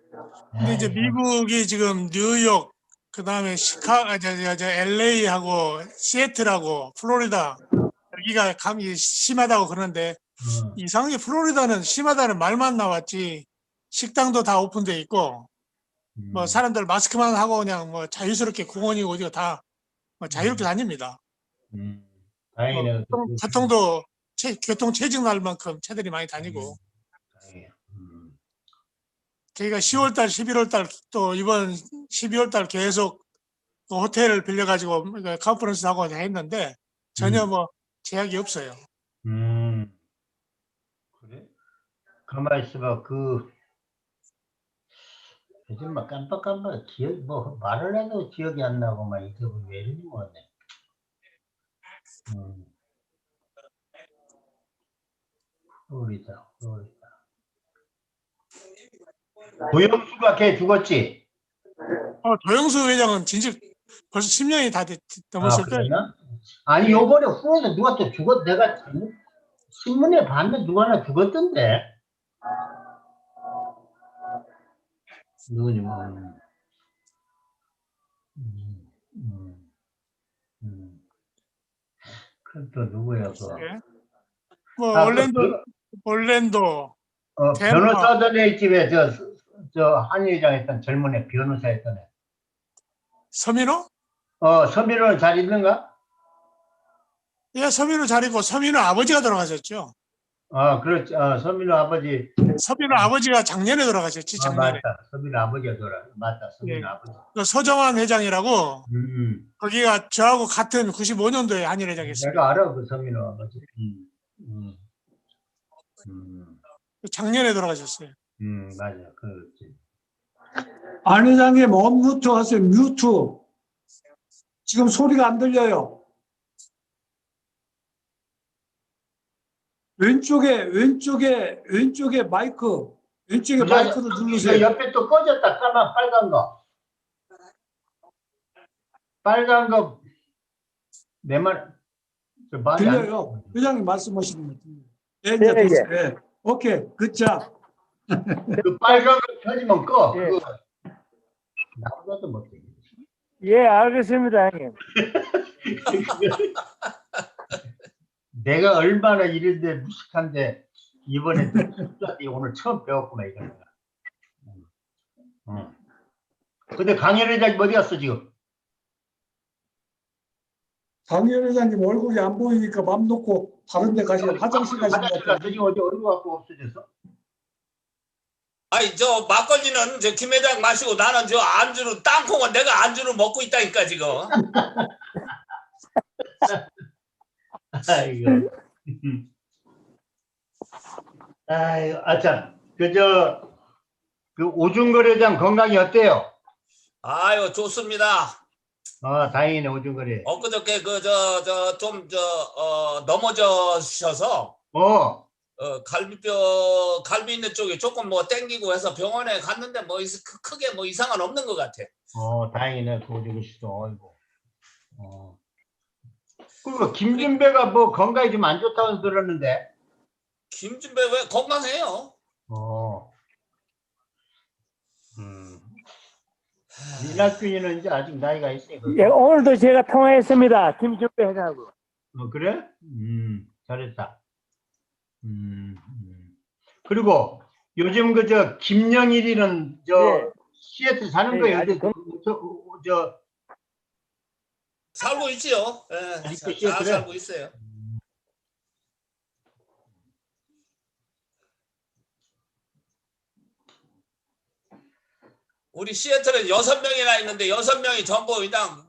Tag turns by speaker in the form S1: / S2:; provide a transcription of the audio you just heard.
S1: 근데 이제 미국이 지금 뉴욕, 그 다음에 LA하고 시애틀하고 플로리다, 여기가 감이 심하다고 그러는데, 이상하게 플로리다는 심하다는 말만 나왔지, 식당도 다 오픈돼 있고, 뭐 사람들 마스크만 하고 그냥 뭐 자유스럽게 공원이고 어디가 다 뭐 자유롭게 다닙니다. 뭐
S2: 다행이네요.
S1: 교통도 교통 체증 날 만큼 차들이 많이 다니고.
S2: 다행이에요.
S1: 저희가 10월달, 11월달 또 이번 12월달 계속 그 호텔을 빌려가지고 컨퍼런스 하고 했는데 전혀 뭐 제약이 없어요.
S2: 그래? 가만히 있어봐. 요즘 막 깜빡깜빡 뭐 말을 해도 기억이 안 나고 막 이게 왜 이러니 뭐네. 플로리다. 도영수가 걔 죽었지?
S1: 도영수 회장은 진즉 벌써 10년이 다 넘었을 거예요.
S2: 그랬나? 아니 요번에 후에서 누가 또 죽었 내가 신문에 봤는데 누가 하나 죽었던데. 누구니 뭐. 또 누구야 그?
S1: 예. 뭐 올랜도, 덴파.
S2: 변호사 애 집에 저 한의장 했던 젊은 애 변호사 했던 애.
S1: 서민호?
S2: 서민호는 잘 있는가?
S1: 예, 서민호 잘 있고 서민호 아버지가 돌아가셨죠.
S2: 그렇지. 서민호 아버지.
S1: 서민호 아버지가 작년에 돌아가셨지, 작년에.
S2: 맞다. 서민호 아버지가 맞다. 서민호
S1: 예.
S2: 아버지.
S1: 그 서정환 회장이라고 거기가 저하고 같은 95년도에 한일 회장이었어요.
S2: 내가 알아 그 서민호 아버지.
S1: 작년에 돌아가셨어요.
S2: 맞아. 그렇지.
S3: 안 회장님 언뮤트 하세요. 뮤트. 지금 소리가 안 들려요. 왼쪽에 마이크, 왼쪽에 마이크를 누르세요.
S2: 옆에 또 꺼졌다. 빨간 거. 빨간 거. 내 말.
S3: 들려요. 회장님 말씀하시는 거 들려요. 네, 이제 됐어요. 네. 오케이, 굿잡.
S2: 그 빨간 거 켜지면 꺼. 예. 나보다도 못해.
S4: 예, 알겠습니다, 형님.
S2: 내가 얼마나 이런데 무식한데 이번에 오늘 처음 배웠구나 이거. 근데 강현 회장님 어디 갔어 지금?
S3: 강현 회장님 얼굴이 안 보이니까 맘 놓고 다른 데 가시면 화장실 가시는 것 같아요.
S2: 지금 어디 갖고 없어졌어?
S5: 아니 저 막걸리는 저 김 회장 마시고 나는 저 안주로 땅콩은 내가 안주로 먹고 있다니까 지금.
S2: 아이고. 아이고, 참. 그 오중거래장 건강이 어때요?
S5: 아유 좋습니다.
S2: 다행이네 오중거래.
S5: 엊그저께 넘어져셔서 갈비 있는 쪽에 조금 뭐 땡기고 해서 병원에 갔는데 뭐 크게 뭐 이상은 없는 것 같아.
S2: 다행이네 그 오중거 씨도. 아이고. 그리고 김준배가 뭐 건강이 좀 안 좋다고 들었는데.
S5: 김준배 왜 건강해요?
S2: 이낙균이는 이제 아직 나이가 있으니까.
S4: 예, 오늘도 제가 통화했습니다. 김준배 회장하고.
S2: 그래? 잘했다. 그리고 요즘 김영일이는
S4: 예.
S2: 시애틀 사는 거예요.
S5: 살고 있지요. 예, 잘 살고 있어요. 우리 시애틀에 6명이나 있는데 6명이 전부 그냥